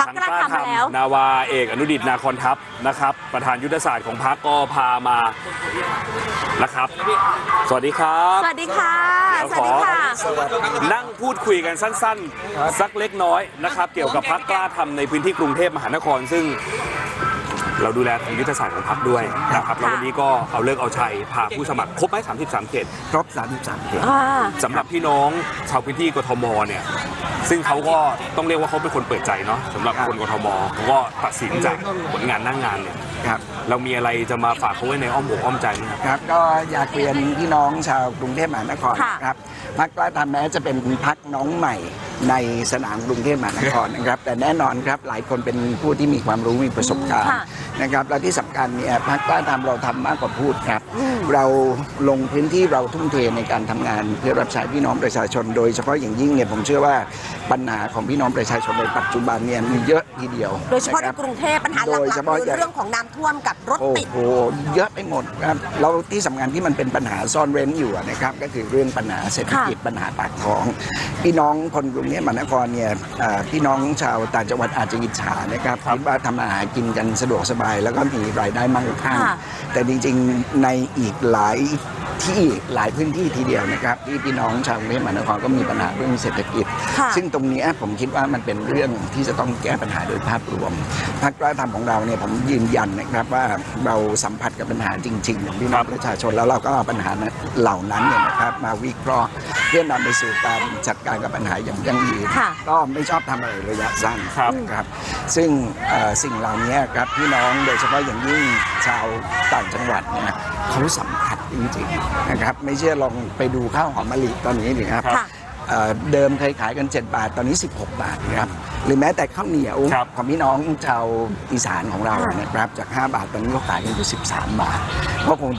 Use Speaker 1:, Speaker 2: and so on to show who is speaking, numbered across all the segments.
Speaker 1: กล้าทำแล้วนาวาเอกอนุดิตนาคอนทัพนะครับประธานยุทธศาสตร์ของพรรคก็พามานะครับสวัสดีครับ
Speaker 2: สวัสดีค่ะ
Speaker 1: สวัสดีค่ะนั่งพูดคุยกันสั้นๆสักเล็กน้อยนะครับเกี่ยวกับพรรคกล้าทำในพื้นที่กรุงเทพมหานครซึ่งเราดูแลทางยุทธศาสตร์ของพรรคด้วยนะครับแล้ววันนี้ก็เอาเลิกเอาชัยพาผู้สมัครครบไหม33เขต
Speaker 3: ครบ33เขต
Speaker 1: สำหรับพี่น้องชาวพื้นที่กทมเนี่ยซึ่งเขาก็ต้องเรียกว่าเขาเป็นคนเปิดใจเนาะสำหรับคนกทมเขาก็ตัดสินจากผลงานหน้างานเนี่ยเรามีอะไรจะมาฝากเขาไว้ในอ้อมอกอ้อมใจไหม
Speaker 3: ครับก็อยากเรียนพี่น้องชาวกรุงเทพมหานครครับพรรคกล้าทำแม้จะเป็นพรรคน้องใหม่ในสนามกรุงเทพมหานครนะครับแต่แน่นอนครับหลายคนเป็นผู้ที่มีความรู้มีประสบการณ์นะครับและที่สำคัญเนี่ยพรรคกล้าทำเราทำมากกว่าพูดครับเราลงพื้นที่เราทุ่มเทในการทำงานเพื่อรับใช้พี่น้องประชาชนโดยเฉพาะอย่างยิ่งเนี่ยผมเชื่อว่าปัญหาของพี่น้องประชาชนในปัจจุบันเนี่ยมีเยอะทีเดียว
Speaker 2: โดยเฉพาะในกรุงเทพปัญหาหลักๆคือเรื่องของน้ำท่วมกับรถติด
Speaker 3: โอ้โหเยอะไปหมดครับแล้วที่สำคัญที่มันเป็นปัญหาซ่อนเร้นอยู่นะครับก็คือเรื่องปัญหาเศรษฐกิจปัญหาปากท้องพี่น้องคนกรุงเทพมหานครเนี่ยพี่น้องชาวต่างจังหวัดอาจจะอิจฉานะครับที่ว่าทำอาหารกินกันสะดวกสบายแล้วก็มีรายได้มั่งคั่งแต่จริงๆในอีกหลายที่หลายพื้นที่ทีเดียวนะครับที่พี่น้องชาวกรุงเทพมหานครก็มีปัญหาเรื่องเศรษฐกิจซึ่งตรงนี้ผมคิดว่ามันเป็นเรื่องที่จะต้องแก้ปัญหาโดยภาพรวมพรรคกล้าทำของเราเนี่ยผมยืนยันนะครับว่าเราสัมผัสกับปัญหาจริงๆของพี่น้องประชาชนแล้วเราก็เอาปัญหาเหล่านั้นเนี่ยนะครับมาวิเคราะห์เพื่อนำไปสู่การจัดการกับปัญหาอย่างยั่งยืนก็ไม่ชอบทำอะไรระยะสั้นครับซึ่งสิ่งเหล่านี้ครับพี่น้องโดยเฉพาะอย่างยิ่งชาวต่างจังหวัดเนี่ยเขาสัมผัสจริงๆนะครับไม่เชื่อลองไปดูข้าวหอมมะลิตอนนี้ดิครับเดิมเคยขายกัน7 บาทตอนนี้16 บาทนะครับหรือแม้แต่ข้าวเหนียวของพี่น้องชาวอีสานของเรานะครับจาก5 บาทตอนนี้ก็ขายกันอยู่13 บาทก็คง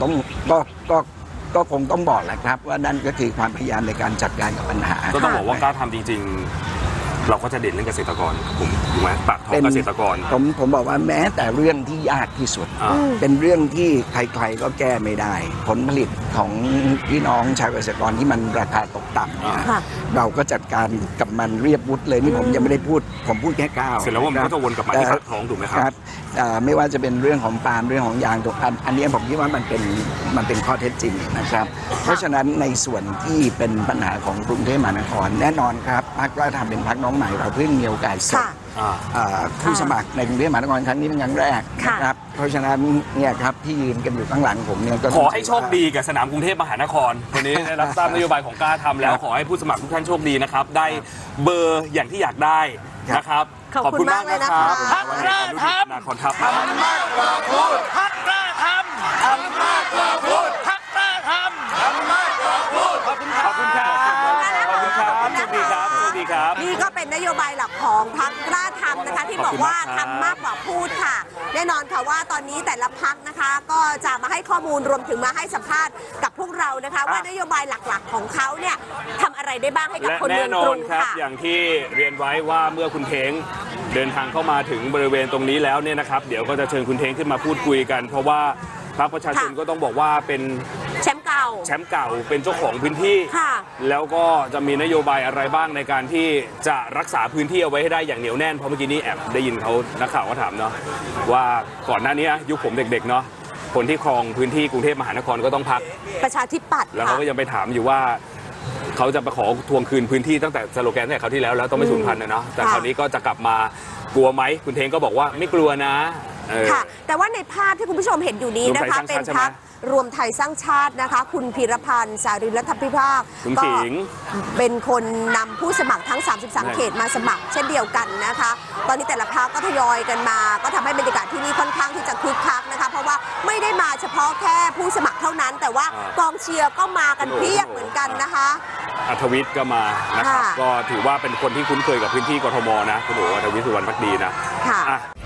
Speaker 3: ต้องบอกแหละครับว่านั่นก็คือความพยายามในการจัดการกับปัญหา
Speaker 1: ก็ต้องบอกว่ากล้าทำจริงๆเราก็จะเด่นเรื่องเกษตรกรผมถูกไหมปากท้องเกษตรกร
Speaker 3: ผมบอกว่าแม้แต่เรื่องที่ยากที่สุดเป็นเรื่องที่ใครๆก็แก้ไม่ได้ผลผลิตของพี่น้องชาวเกษตรกรที่มันราคาตกต่ำเนี่ยเราก็จัดการกับมันเรียบวุฒิเลยนี่ผมยังไม่ได้พูดผมพูดแค่ก้าว
Speaker 1: เสร็จแล้วว่ามันก็จะวนกลับมาที่ปากท้องถูกไหมครับ
Speaker 3: ไม่ว่าจะเป็นเรื่องของปาล์มเรื่องของยางตกอันนี้ผมคิดว่ามันเป็นข้อเท็จจริงนะครับเพราะฉะนั้นในส่วนที่เป็นปัญหาของกรุงเทพมหานครแน่นอนครับพรรคกล้าทำเป็นพรรคน้องใหม่เราเพิ่งมีโอกาสส่งผู้สมัครในกรุงเทพมหานครครั้งนี้เป็นครั้งแรกนะครับเพราะฉะนั้นเนี่ยครับที่ยืนกันอยู่ข้างหลังผมเนี่ยก็
Speaker 1: ขอให้โชคดีกับสนามกรุงเทพมหานครวันนี้ได้รับทราบนโยบายของกล้าทำแล้วขอให้ผู้สมัครทุกท่านโชคดีนะครับได้เบอร์อย่างที่อยากได้นะครับ
Speaker 2: ขอบคุณมากนะครับ
Speaker 1: พรรคกล้าทำนาคอนทัพ
Speaker 4: ทำมากกว่าพูดพรรคกล้าทำทำมากกว่าพูดพรรคกล้าทำทำมากกว่าพูด
Speaker 1: ขอบคุณครับขอบคุณครับขอบคุณครับสวัสดีครับสวัสดีครับ
Speaker 2: นี่ก็เป็นนโยบายหลักของพรรคกล้าทำนะคะที่บอกว่าทำมากกว่าพูดค่ะแน่นอนค่ะว่าตอนนี้แต่ละพรรคนะคะก็จะมาให้ข้อมูลรวมถึงมาให้สัมภาษณ์กับพวกเรานะคะว่านโยบายหลักๆของเขาเนี่ยทำอะไรได้บ้างให้กับคนเมืองกรุงค่ะ
Speaker 1: อย่างที่เรียนไว้ว่าเมื่อคุณเท้งเดินทางเข้ามาถึงบริเวณตรงนี้แล้วเนี่ยนะครับเดี๋ยวก็จะเชิญคุณเท้งขึ้นมาพูดคุยกันเพราะว่าพรรคประชาชนก็ต้องบอกว่าเป็น
Speaker 2: แชมป์เก่า
Speaker 1: เป็นเจ้าของพื้นที่แล้วก็จะมีนโยบายอะไรบ้างในการที่จะรักษาพื้นที่เอาไว้ให้ได้อย่างเหนียวแน่นเพราะเมื่อกี้นี้แอบได้ยินเขานักข่าวก็ถามเนาะว่าก่อนหน้านี้ยุคผมเด็กๆเนาะคนที่ครองพื้นที่กรุงเทพมหานครก็ต้องพัก
Speaker 2: ประชาธิปัตย์
Speaker 1: แล้วเขาก็ยังไปถามอยู่ว่าเขาจะไปขอทวงคืนพื้นที่ตั้งแต่สโลแกนตั้งแต่คราวที่แล้วต้องไม่สูญพันธุ์เนาะแต่คราวนี้ก็จะกลับมากลัวไหมคุณเทงก็บอกว่าไม่กลัวนะ
Speaker 2: ค่ะแต่ว่าในภาพที่คุณผู้ชมเห็นอยู่นี้นะคะเป็นพรรครวมไทยสร้างชาตินะคะคุณพีรพันธ์สารินรัฐพิภาค
Speaker 1: ก็
Speaker 2: เป็นคนนำผู้สมัครทั้ง33เขตมาสมัครเช่นเดียวกันนะคะตอนนี้แต่ละพรรคก็ทยอยกันมาก็ทำให้บรรยากาศที่นี่ค่อนข้างที่จะคึกคักนะคะเพราะว่าไม่ได้มาเฉพาะแค่ผู้สมัครเท่านั้นแต่ว่ากองเชียร์ก็มากันเพียบเหมือนกันนะคะ
Speaker 1: อัธวิทย์ก็มานะครับก็ถือว่าเป็นคนที่คุ้นเคยกับพื้นที่กทมนะคุณโอ๋อัธวิทย์สุวรรณภักดีนะ
Speaker 2: ค่ะ